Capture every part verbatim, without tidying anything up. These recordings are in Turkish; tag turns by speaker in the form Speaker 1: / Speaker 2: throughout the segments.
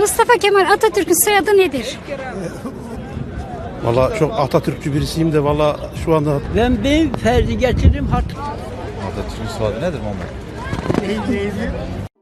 Speaker 1: Mustafa Kemal Atatürk'ün soyadı nedir?
Speaker 2: Valla çok Atatürkçü birisiyim de valla şu anda
Speaker 3: Ben bir ferdi getiririm hat.
Speaker 4: Atatürk'ün soyadı nedir Muhammed?
Speaker 3: Neydi?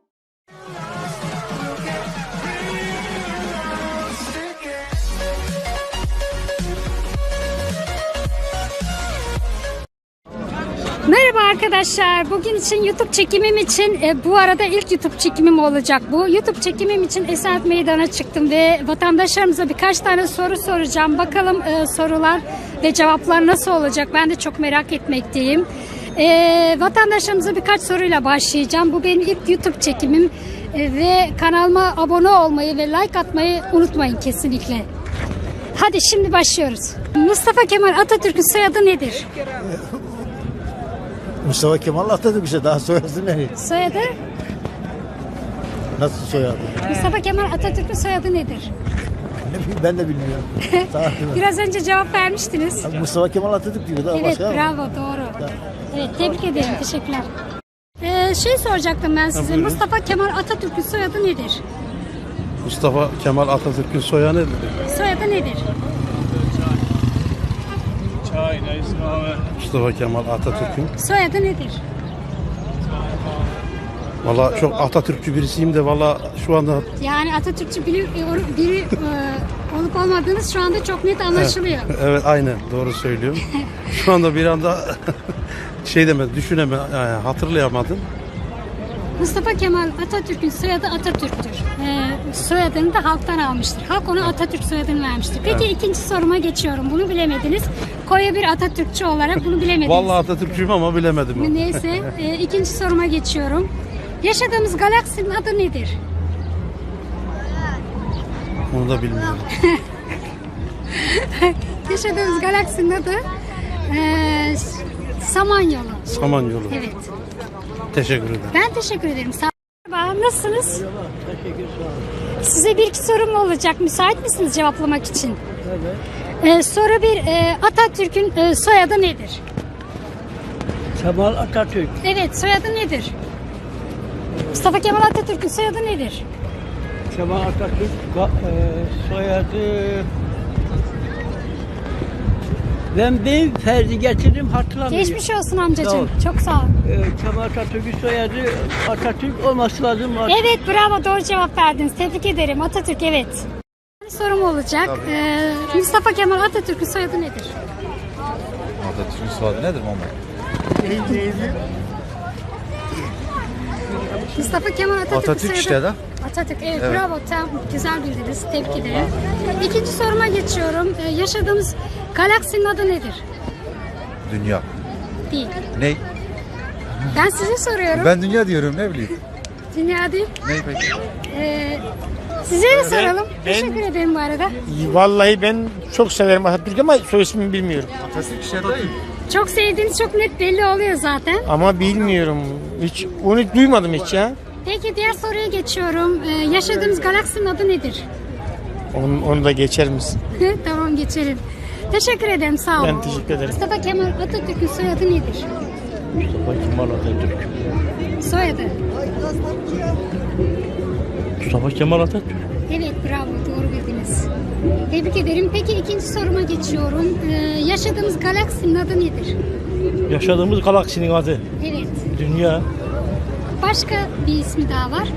Speaker 1: Merhaba arkadaşlar. Bugün için YouTube çekimim için e, bu arada ilk YouTube çekimim olacak bu. YouTube çekimim için Esenyurt Meydanı'na çıktım ve vatandaşlarımıza birkaç tane soru soracağım. Bakalım e, sorular ve cevaplar nasıl olacak? Ben de çok merak etmekteyim. E, vatandaşlarımıza birkaç soruyla başlayacağım. Bu benim ilk YouTube çekimim e, ve kanalıma abone olmayı ve like atmayı unutmayın kesinlikle. Hadi şimdi başlıyoruz. Mustafa Kemal Atatürk'ün soyadı nedir?
Speaker 5: Mustafa Kemal Atatürk işte, daha soyadı ne?
Speaker 1: Soyadı?
Speaker 5: Nasıl soyadı?
Speaker 1: Mustafa Kemal Atatürk'ün soyadı nedir?
Speaker 5: Ne bileyim, ben de bilmiyorum. Daha-
Speaker 1: Biraz önce cevap vermiştiniz.
Speaker 5: Mustafa Kemal Atatürk diyor, daha
Speaker 1: Evet,
Speaker 5: başka
Speaker 1: bravo, doğru. Evet, tebrik ederim, teşekkürler. Ee, şey soracaktım ben size.
Speaker 2: buyurun.
Speaker 1: Mustafa Kemal Atatürk'ün soyadı nedir?
Speaker 2: Mustafa Kemal Atatürk'ün soyadı
Speaker 1: Soyadı nedir?
Speaker 2: Mustafa Kemal Atatürk'ün
Speaker 1: Soyadı nedir?
Speaker 2: valla çok Atatürkçü birisiyim de valla şu anda
Speaker 1: Yani Atatürkçü biri, biri e, olup olmadığınız şu anda çok net anlaşılıyor.
Speaker 2: evet aynen doğru söylüyorum. Şu anda bir anda şey deme düşüneme yani hatırlayamadım.
Speaker 1: Mustafa Kemal Atatürk'ün soyadı Atatürk'tür. Ee, soyadını da halktan almıştır. Halk ona Atatürk soyadını vermiştir. Peki ikinci soruma geçiyorum. Bunu bilemediniz. Koya bir Atatürkçü olarak bunu bilemediniz.
Speaker 2: Valla Atatürkçüyüm ama bilemedim.
Speaker 1: Neyse, e, ikinci soruma geçiyorum. Yaşadığımız galaksinin adı nedir?
Speaker 2: Onu da bilmiyorum.
Speaker 1: Yaşadığımız galaksinin adı e, Samanyolu.
Speaker 2: Samanyolu.
Speaker 1: Evet.
Speaker 2: Teşekkür ederim.
Speaker 1: Ben teşekkür ederim. Sağ olun. Nasılsınız? Size bir iki sorum olacak. Müsait misiniz cevaplamak için?
Speaker 3: Evet.
Speaker 1: Ee, soru bir. E, Atatürk'ün e, soyadı nedir?
Speaker 3: Kemal Atatürk.
Speaker 1: Evet, soyadı nedir? Mustafa Kemal Atatürk'ün soyadı nedir?
Speaker 3: Kemal Atatürk ga- e, soyadı. Ben bir ferdi getiririm hatırlamıyorum.
Speaker 1: Geçmiş olsun
Speaker 3: Sağ ol.
Speaker 1: amcacığım. Çok sağ olun.
Speaker 3: E, Kemal Atatürk'ün soyadı Atatürk olması lazım.
Speaker 1: Evet, bravo, doğru cevap verdiniz. Tebrik ederim. Atatürk, evet. Bir sorum olacak. Ee, Mustafa Kemal Atatürk'ün soyadı nedir?
Speaker 4: Atatürk'ün soyadı nedir Muhammed?
Speaker 3: Neydi?
Speaker 1: Mustafa Kemal Atatürk'ün
Speaker 4: Atatürk
Speaker 1: soyadı...
Speaker 4: işte de.
Speaker 1: Atatürk, evet, bravo. Tam güzel bildiniz. Tebrik ederim. İkinci soruma geçiyorum. Ee, yaşadığımız galaksinin adı nedir?
Speaker 4: Dünya.
Speaker 1: Değil.
Speaker 4: Ne?
Speaker 1: Ben size soruyorum.
Speaker 4: Ben dünya diyorum, ne bileyim.
Speaker 1: Dünya değil.
Speaker 4: Ne peki?
Speaker 1: Ee, size de soralım.
Speaker 6: ben-
Speaker 1: Teşekkür ederim bu arada.
Speaker 6: Vallahi ben çok severim Atatürk ama soy ismini bilmiyorum.
Speaker 4: Atatürk işte değil.
Speaker 1: Çok sevdiğiniz çok net belli oluyor zaten.
Speaker 6: Ama bilmiyorum. Hiç onu duymadım hiç ya.
Speaker 1: Peki diğer soruya geçiyorum. Ee, yaşadığımız galaksinin adı nedir?
Speaker 6: Onu, onu da geçer misin?
Speaker 1: Tamam, geçelim. Teşekkür ederim, sağ olun.
Speaker 6: Ben teşekkür ederim.
Speaker 1: Mustafa Kemal Atatürk'ün soyadı nedir?
Speaker 3: Mustafa Kemal Atatürk.
Speaker 1: Soyadı.
Speaker 3: Mustafa Kemal Atatürk.
Speaker 1: Evet, bravo, doğru bildiniz. Tebrik ederim. Peki ikinci soruma geçiyorum. Ee, yaşadığımız galaksinin adı nedir?
Speaker 3: Yaşadığımız galaksinin adı
Speaker 1: Evet.
Speaker 3: Dünya.
Speaker 1: Başka bir ismi daha var.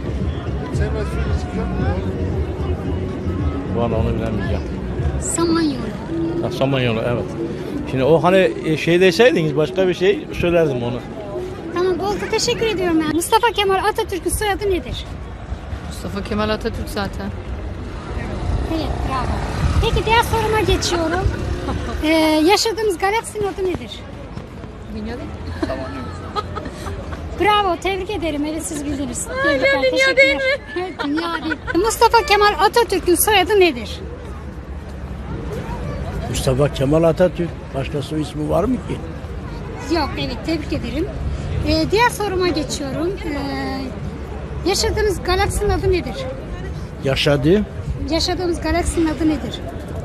Speaker 3: Vallahi onu bilemeyeceğim.
Speaker 1: Samanyolu.
Speaker 3: Ha, Samanyolu, evet. Şimdi o hani e, şey deseydiniz başka bir şey söylerdim onu.
Speaker 1: Tamam, oldu. Teşekkür ediyorum ben. Mustafa Kemal Atatürk'ün soyadı nedir?
Speaker 7: Mustafa Kemal Atatürk zaten.
Speaker 1: Evet, bravo. Peki diğer soruma geçiyorum. Ee, yaşadığımız galaksinin adı nedir?
Speaker 7: Dünya değil.
Speaker 1: Bravo, tebrik ederim. Evet, siz bildiniz. Tebrikler, dünya değil mi? Dünya değil. Mustafa Kemal Atatürk'ün soyadı nedir?
Speaker 3: Mustafa Kemal Atatürk. Başka soy ismi var mı ki?
Speaker 1: Yok, evet, tebrik ederim. Ee, diğer soruma geçiyorum. Ee, yaşadığımız galaksinin adı nedir?
Speaker 3: Yaşadı.
Speaker 1: Yaşadığımız galaksinin adı nedir?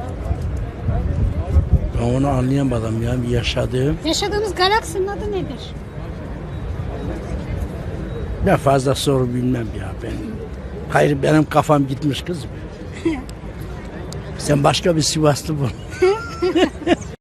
Speaker 3: Ben onu anlayamadım ya. Bir yaşadı.
Speaker 1: Yaşadığımız galaksinin adı nedir?
Speaker 3: Ne fazla soru bilmem ya ben.
Speaker 8: Hayır benim kafam gitmiş kızım. Sen başka bir Sivaslı bul.